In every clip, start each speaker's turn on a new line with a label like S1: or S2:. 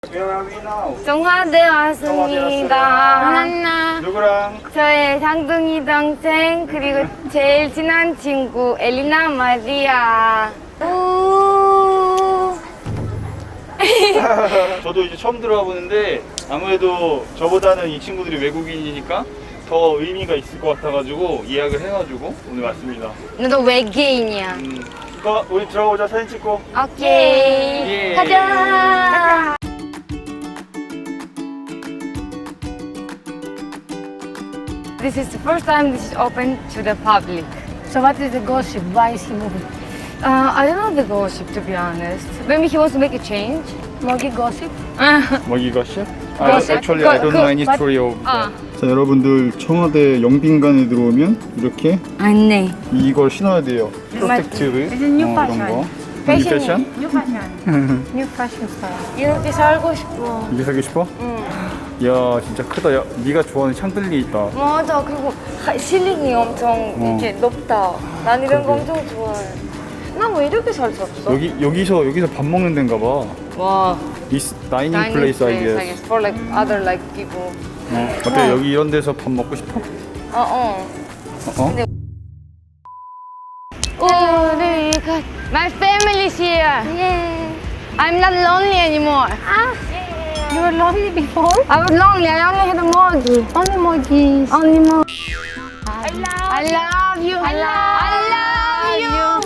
S1: 정화대 왔습니다. 하나.
S2: 누구랑?
S1: 저의 상둥이 동생 그리고 제일 친한 친구 엘리나 마리아. 우.
S2: 저도 이제 처음 들어와 보는데 아무래도 저보다는 이 친구들이 외국인이니까 더 의미가 있을 것 같아가지고 예약을 해가지고 오늘 왔습니다.
S1: 너도 외계인이야.
S2: 그거 우리 들어오자 사진 찍고.
S1: 오케이.
S2: 예.
S1: 가자. This is the first time this is open to the public.
S3: So what is the gossip? Why is he moving?
S1: I don't know the gossip, to be honest. Maybe he wants to make a change.
S3: Mogi gossip?
S2: 뭐 이것이?
S1: Gossip?
S2: Actually I don't know any story of
S1: 아.
S2: 자 여러분들 청와대 영빈관에 들어오면 이렇게
S1: 안내.
S2: 이걸 신어야 돼요. 프로텍티브 이런 거. 패션?
S3: New fashion. New fashion style.
S1: 이렇게 살고 싶어.
S2: 이게 사기 싶어? 야 진짜 크다. 야 네가 좋아하는 샹들리 있다.
S1: 맞아. 그리고 실링이 엄청 이렇게 높다. 난 이런 거 엄청 좋아해. 나 왜 이렇게 살 수 없어?
S2: 여기서 밥 먹는 데인가 봐.
S1: 와.
S2: This dining place I guess.
S1: I guess for like other like people.
S2: 어때 여기 이런 데서 밥 먹고 싶어?
S1: 어.
S2: 어?
S1: 우리가 my family is here. Yeah. I'm not lonely anymore.
S3: You were lonely before?
S1: I was lonely. I only had a Mogi.
S3: Only Mogis.
S1: Only Mogi. I love you. I love you.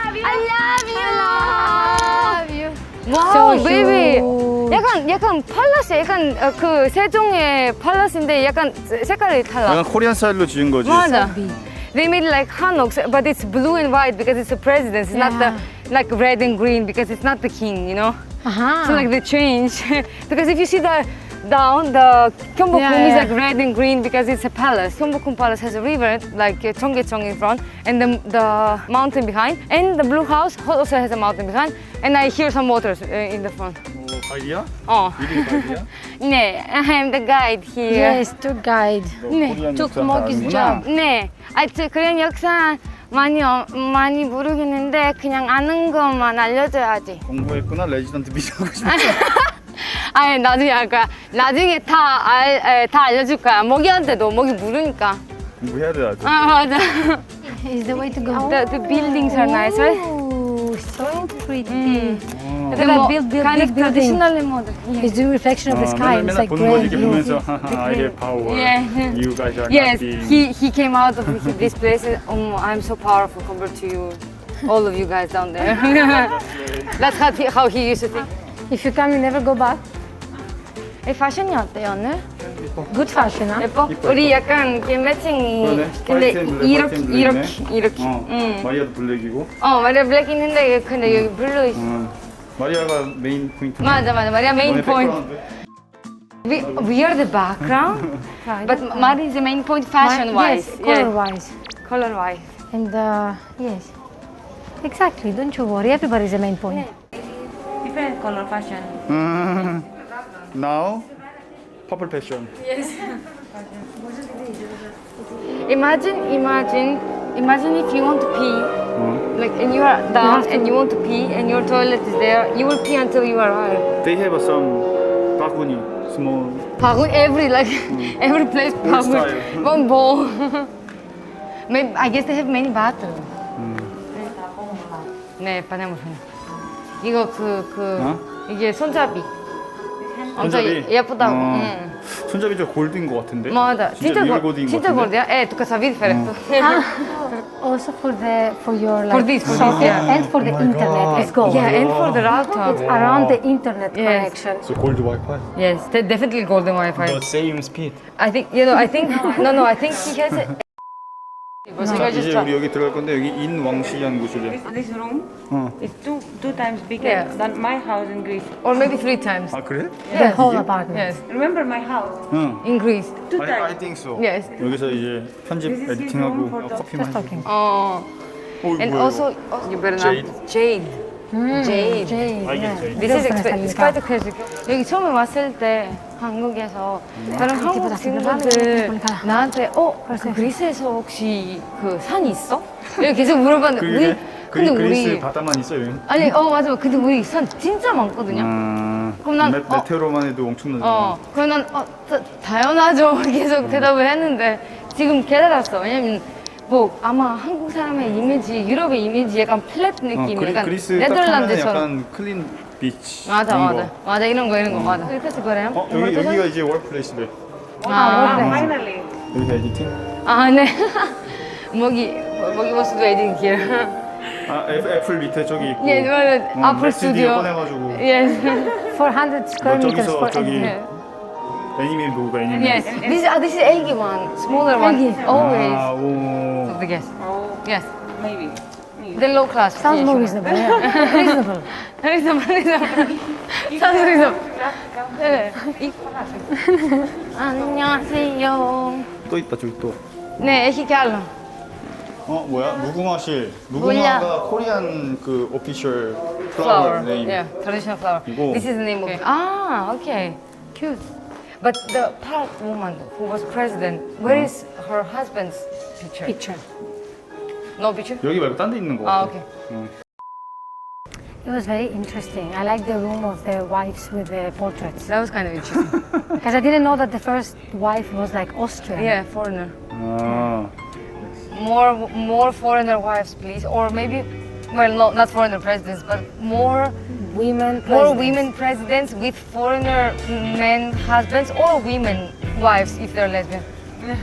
S1: 와우,
S3: So
S1: 베이비.
S3: cute.
S1: 약간 팔라스, 약간 그 세종의 팔라스인데 약간 색깔이 달라.
S2: 약간 코리안 스타일로 지은 거지.
S1: 맞아. They made like hanok, but it's blue and white because it's the president. It's not the like red and green because it's not the king, you know.
S3: Uh-huh.
S1: So like they change because if you see the down, the Gyeongbokgung is like red and green because it's a palace. Gyeongbokgung Palace has a river like Cheonggyecheong in front and the mountain behind, and the blue house also has a mountain behind. And I hear some waters in the front.
S2: 가이드야? 이름이 가이드야?
S1: 네, I'm the guide here.
S3: Yes, tour guide.
S2: 코리안
S3: took
S2: 역사
S3: Mogi's
S2: 아는구나.
S3: job.
S1: 네, 그런 역사 많이 모르겠는데 그냥 아는 것만 알려줘야지.
S2: 공부했구나. 레지던트 비자 하고 싶어.
S1: 아니 나중에 다 알려줄 거야. 모기한테도 모기 모르니까.
S2: 공부해야 돼 나도.
S1: 아 맞아.
S3: Is the way to go.
S1: The buildings are nice, right?
S3: Oh, so pretty.
S1: Look
S3: at that big
S1: kind of
S3: building.
S1: traditional model.
S3: It's the reflection of the sky. It's
S2: 맨날
S3: like
S2: 보는 거
S3: gray
S2: 이렇게
S3: blue.
S2: 보면서 I have power.
S1: Yeah.
S2: You guys are
S1: Yes,
S2: nothing.
S1: he came out of this place. I'm so powerful compared to you, all of you guys down there. That's how he used to think.
S3: If you come, you never go back.
S1: 이 패션이 어때요 오늘?
S3: Good fashion, huh?
S1: 예뻐? 우리 약간 이렇게 매칭이.
S2: 그러네.
S1: 근데
S2: 화이트 앤 블랙,
S1: 이렇게
S2: 화이트 앤 블랙이네.
S1: 이렇게.
S2: 마리아도 블랙이고.
S1: 마리아 블랙 있는데 근데 여기 블루 있어.
S2: 마리아가 메인 포인트.
S1: 맞아. 마리아 메인 포인트. We are the background, but Maria is the main point fashion-wise.
S3: Yes, color-wise.
S1: Color-wise.
S3: And yes, exactly. Don't you worry. Everybody is the main point.
S4: Different color fashion.
S2: Now, purple passion.
S1: Imagine if you want to pee, like, and you are down and you want to pee, and your toilet is there. You will pee until you arrive.
S2: They have some 바구니, small.
S1: 바구니 every place 바구니.
S2: style.
S1: One bowl. Maybe I guess they have many bathrooms. 네, 바나무산. 이거 이게 손잡이. 엄청
S2: 손잡이?
S1: 예쁘다고.
S2: 손잡이 저 골드인 것 같은데?
S1: 맞아.
S2: 리얼 골드인 것
S1: 진짜
S2: 같은데?
S1: 골드야? tu casavi differenza.
S3: Also for your
S1: For
S3: like
S1: this,
S3: socket
S1: yeah.
S3: and for the
S2: Oh my
S3: internet.
S2: God.
S3: Let's go.
S1: Yeah, and for the router.
S3: It's around the internet
S1: Yes.
S3: connection.
S2: So gold Wi-Fi.
S1: Yes, definitely golden Wi-Fi.
S2: The same speed.
S1: I think he has it.
S2: 자, 이제 우리 여기 들어갈 건데 여기 인왕시라는 곳이래.
S4: This room is two times bigger
S1: Yeah.
S4: than my house in Greece.
S1: Or maybe 3 times.
S2: 아 그래?
S3: The whole apartment.
S1: Yes,
S4: Remember my house?
S2: 응.
S1: in Greece.
S4: Two
S2: I
S4: times.
S2: think so.
S1: Yes.
S2: 여기서 이제 편집
S4: This is his
S2: 에디팅하고
S4: room for the-
S2: 커피만
S3: Just talking.
S1: And
S2: 뭐야,
S1: also, you better
S2: Jade.
S1: not. Jade. Jade.
S3: Jade,
S2: I get
S3: yeah.
S2: Jade.
S1: This is
S3: Different
S1: it's
S3: style.
S1: quite expensive. 여기 처음에 왔을 때 한국에서 다른 한국 친구들 나한테 그 그리스에서 혹시 그 산 있어? 이렇게 계속 물어봤는데 우리 근데
S2: 그리스
S1: 우리
S2: 바다만 있어요.
S1: 아니 맞아 근데 우리 산 진짜 많거든요. 그럼 난
S2: 메테오로만 해도 엄청나잖아.
S1: 그럼 난 당연하죠. 계속 대답을 했는데 지금 깨달았어. 왜냐면 뭐 아마 한국 사람의 이미지, 유럽의 이미지 약간 플랫 느낌, 약간
S2: 그리스 딱 하면
S1: 네덜란드처럼.
S2: 약간 클린 비치.
S1: 맞아,
S2: 이런
S1: 맞아,
S2: 거.
S1: 맞아 이런 거 맞아. 그래서 그래요?
S2: 여기가 이제 월플레이스래.
S4: Finally.
S2: 여기가 에디팅?
S1: 아, 네. 모기 was waiting here.
S2: 애플 밑에 저기 있고.
S1: 예, 맞아. 아플 스튜디오.
S2: 꺼내가지고.
S1: Yes.
S3: 400 square meters
S2: 저기서
S3: for
S2: 저기
S3: editing.
S2: 애니메 보고 애니메.
S1: Yes. This is eggy one, smaller one. Always.
S2: 오.
S1: So the yes.
S4: Oh,
S1: Yes.
S4: maybe.
S1: The low class.
S3: Sounds
S1: Yeah,
S3: more
S1: sure.
S3: reasonable. Yeah. Reasonable.
S1: reasonable. Sounds reasonable. 네. 안녕하세요.
S2: 또 있다 저기 또.
S1: 네, 애기 갈로.
S2: 뭐야? 무궁화실. 무궁화가 코리안 그 오피셜
S1: Flower.
S2: 플라워 네임.
S1: Yeah, traditional flower.
S2: 이거.
S1: This is the name of. Ah, okay, cute. But the Park woman who was president, where is her husband's picture?
S3: Picture.
S1: No picture.
S2: 여기 말고 딴 데 있는 거
S1: Ah,
S2: 같아.
S1: okay.
S3: It was very interesting. I like the room of the wives with the portraits.
S1: That was kind of interesting.
S3: Because I didn't know that the first wife was like Austrian.
S1: Yeah, foreigner.
S2: 아.
S1: More foreigner wives, please, or maybe, well, not foreigner presidents, but more
S3: Women.
S1: women presidents with foreigner men husbands or women wives if they're lesbian. Yeah.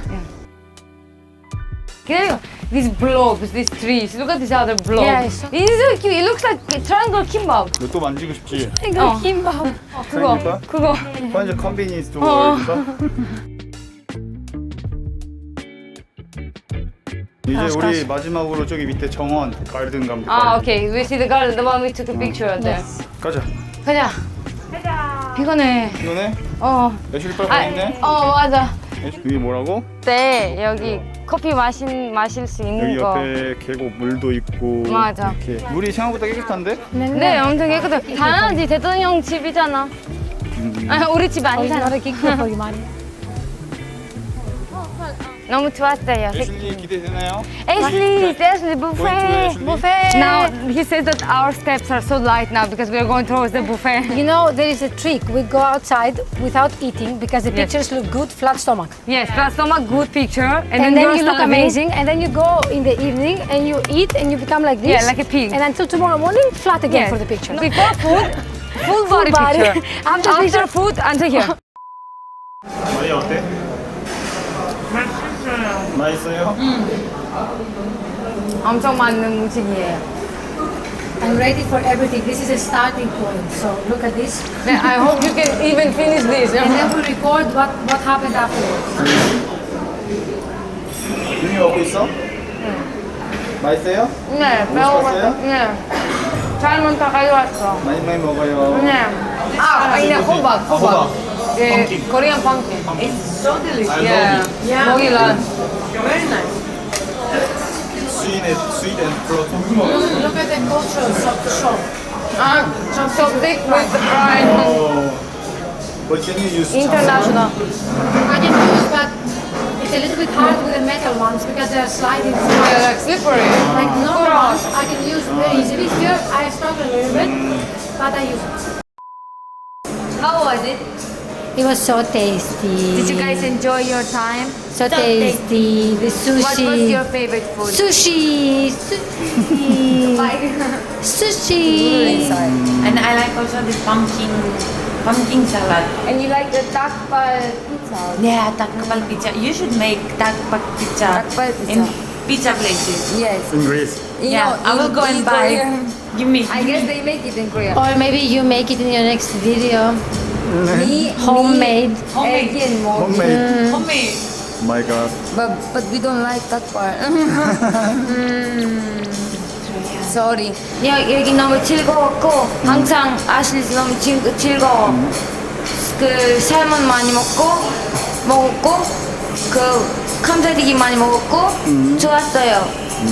S1: Yeah. These blobs, these trees. Look at this other blob.
S3: Yeah, it's so-
S1: It's so cute. It looks like a triangle kimbap.
S2: 너 또 만지고 싶지?
S3: 이거 김밥.
S1: 그거.
S2: 완전 컨비니언스 스토어
S1: 어.
S2: 이제 우리 마지막으로 저기 밑에 정원 가든 가면 돼.
S1: Ah, okay. We see the garden, the one we took a picture of there.
S2: 가자.
S1: 가자. 피곤해.
S2: 이거네? 애슐리 빨리
S1: 아,
S2: 있네.
S1: 맞아.
S2: 여기 뭐라고?
S1: 네, 여기 커피 마실 수 있는
S2: 여기
S1: 거.
S2: 옆에 계곡 물도 있고.
S1: 맞아.
S2: 이렇게 물이 생각보다 깨끗한데?
S1: 네, 엄청 깨끗해. 당연하지, 대통령 집이잖아. 우리 집 아니잖아.
S3: Not a kick for you, man.
S1: 너무 좋았어요.
S2: 애슐리 기대되나요?
S1: Ashley, buffet.
S2: Ashley.
S1: Buffet. Now he says that our steps are so light now because we are going towards the buffet.
S3: You know, there is a trick. We go outside without eating because the
S1: Yes.
S3: pictures look good, flat stomach.
S1: Yes, plus stomach, good picture,
S3: And then
S1: you're
S3: you look
S1: starving.
S3: amazing, and then you go in the evening and you eat and you become like this.
S1: Yeah, like a pig.
S3: And until tomorrow morning, flat again
S1: Yes.
S3: for the picture.
S1: Before food, full body
S3: body.
S1: picture.
S3: After
S1: After
S3: picture-
S1: food, until here.
S2: 마리아 어때? 맛있어요?
S1: 엄청 많은 음식이에요.
S3: I'm ready for everything. This is a starting point. So look at this.
S1: Yeah, I hope you can even finish this.
S3: And then we'll record what happened afterwards.
S2: 윤이 먹고 있어? 맛있어요?
S1: 네,
S2: 맛있었어요?
S1: 네. 삶은 다 가져왔어.
S2: 많이 먹어요.
S1: 네. 아니, 호박.
S2: 호박.
S1: 예,
S2: 펌킨.
S1: Korean pumpkin.
S4: It's so delicious.
S1: Yeah. 먹이란.
S4: Very nice.
S2: sweet and float.
S3: Look at the cultures of the shop.
S1: So thick with the fried.
S2: But can you use
S1: International.
S3: I can use, but it's a little bit hard with the metal ones because they are sliding.
S1: Yeah, like slippery.
S3: Like normal ones, I can use very easily. Here, I struggle a little bit, but I use it.
S1: How was it?
S3: It was so tasty.
S1: Did you guys enjoy your time?
S3: So tasty. The sushi.
S1: What was your favorite food?
S3: Sushi. Sushi. Sushi.
S4: And I like also the pumpkin salad.
S1: And you like the takbal pizza?
S4: Yeah, takbal pizza. You should make takbal pizza
S1: Takbal pizza.
S4: in pizza places.
S1: Yes.
S2: in Greece?
S4: Yeah, I will go and buy. Give me.
S1: I guess they make it in Korea.
S3: Or maybe you make it in your next video.
S1: Me,
S3: Homemade.
S4: Homemade.
S1: Again, more.
S2: Homemade.
S4: Homemade.
S2: Oh my god.
S1: But we don't like that part. Sorry. 여기 너무 즐거웠고 항상 아실리 너무 즐거워. 그 살몬 많이 먹었고 그 감자튀김 많이 먹었고 좋았어요.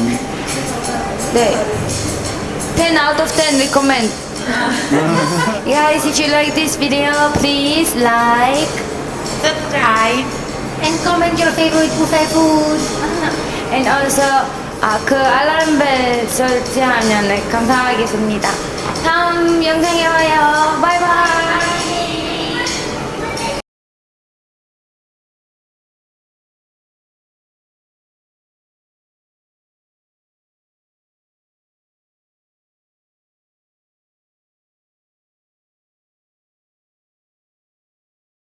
S1: 네. 10 out of 10 recommend. Guys, if you like this video, please like,
S4: Subscribe.
S3: And comment your favorite buffet food.
S1: and also 그 알람벨 설치하면 감사하겠습니다. 다음 영상에 봐요. 바이바이.